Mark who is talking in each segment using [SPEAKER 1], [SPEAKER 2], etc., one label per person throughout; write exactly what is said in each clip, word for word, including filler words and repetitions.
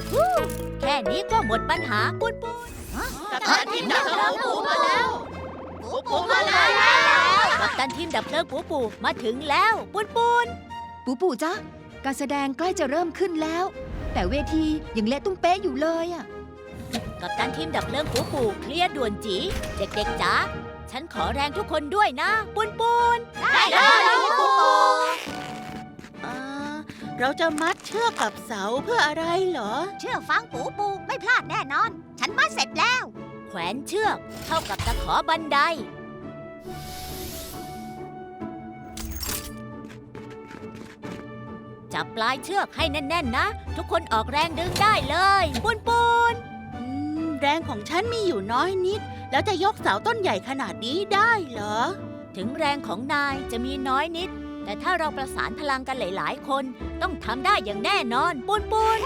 [SPEAKER 1] แค่นี้ก็หมดปัญหาปุนปุน
[SPEAKER 2] กัปตันทีมดับเพลิงปูมาแล้วปูปูมาแล้ว
[SPEAKER 1] กัปตันทีมดับเพลิงปูปูมาถึงแล้วปุนปุน
[SPEAKER 3] ปูปูจ๊ะการแสดงใกล้จะเริ่มขึ้นแล้ว แต่เวทียังเละตุ้มเป๊ะอยู่เลยอะ
[SPEAKER 1] กัปตันทีมดับเพลิงปูปูเคลียร์ด่วนจีเด็กๆจ๋าฉันขอแรงทุกคนด้วยนะปุนปุน
[SPEAKER 2] ได้เลยปูปูเราจะมัดเชือกกับเสาเพื่ออะไรเหรอ
[SPEAKER 4] เชื่อฟังปูปูไม่พลาดแน่นอน ฉันมัดเสร็จแล้ว
[SPEAKER 1] แขวนเชือกเท่ากับตะขอบันไดจับปลายเชือกให้แน่นๆนะทุกคนออกแรงดึงได้เลยปุนปุน
[SPEAKER 2] อืมแรงของฉันมีอยู่น้อยนิด แล้วจะยกเสาต้นใหญ่ขนาดนี้ได้เหรอ
[SPEAKER 1] ถึงแรงของนายจะมีน้อยนิด แต่ถ้าเราประสานพลังกันหลายๆ คนต้องทำได้อย่างแน่นอนปุนปุน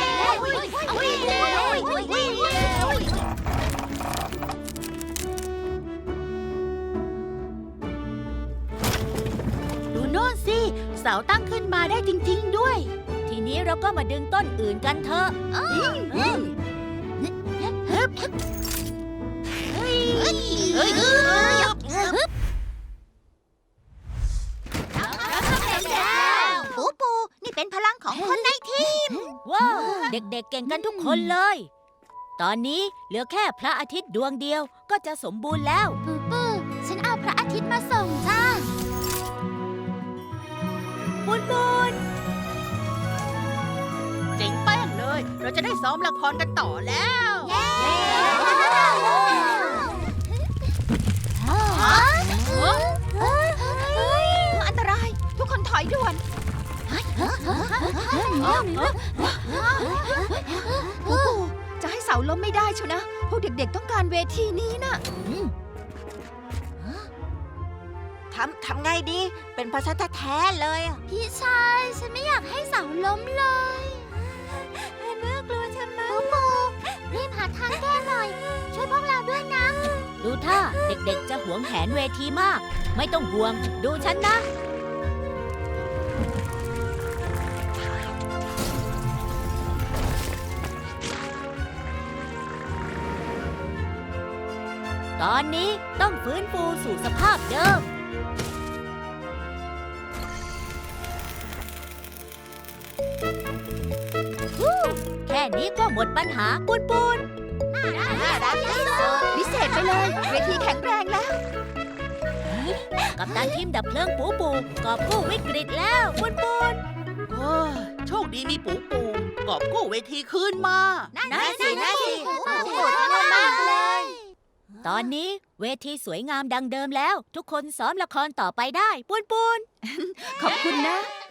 [SPEAKER 2] ดูโน่นสิ เสาตั้งขึ้นมาได้จริงๆด้วย
[SPEAKER 1] ทีนี้เราก็มาดึงต้นอื่นกันเถอะ
[SPEAKER 4] ปูปูนี่เป็นพลังของคนในทีม
[SPEAKER 1] ว้าวเด็กๆเก่งกันทุกคนเลย ตอนนี้เหลือแค่พระอาทิตย์ดวงเดียวก็จะสมบูรณ์แล้ว
[SPEAKER 4] ปูปูฉันเอาพระอาทิตย์มาส่งจ้า
[SPEAKER 1] ปุนปุน
[SPEAKER 2] เจ๋งแป้งเลย เราจะได้ซ้อมละครกันต่อแล้ว
[SPEAKER 4] อันตราย ทุกคนถอยด่วนปูปู
[SPEAKER 3] จะให้เสาล้มไม่ได้ชัวนะ พวกเด็กๆต้องการเวทีนี้นะ
[SPEAKER 4] ทำทำไงดี เป็นภาษาแท้ๆเลยอะพี่ชาย ฉันไม่อยากให้เสาล้มเลยน่ากลัวจังเลยปูปูรีบหาทางแก้หน่อย ช่วยพวกเราด้วยนะ
[SPEAKER 1] ดูท่าเด็กๆจะหวงแหนเวทีมาก ไม่ต้องห่วง ดูฉันนะ ตอนนี้ต้องฟื้นฟูสู่สภาพเดิม แค่นี้ก็หมดปัญหาปุนปุน
[SPEAKER 3] พิเศษไปเลย เวทีแข็งแรงแล้ว
[SPEAKER 1] กับตันทีมดับเพลิงปูปูกอบกู้วิกฤตแล้วปุนปุน
[SPEAKER 2] โอ้ยโชคดีมีปูปูกอบกู้เวทีคืนมา
[SPEAKER 4] นั่นสินั่นสิปูปูมากเลย
[SPEAKER 1] ตอนนี้เวทีสวยงามดังเดิมแล้ว ทุกคนซ้อมละครต่อไปได้ปุนปุน
[SPEAKER 3] ขอบคุณนะ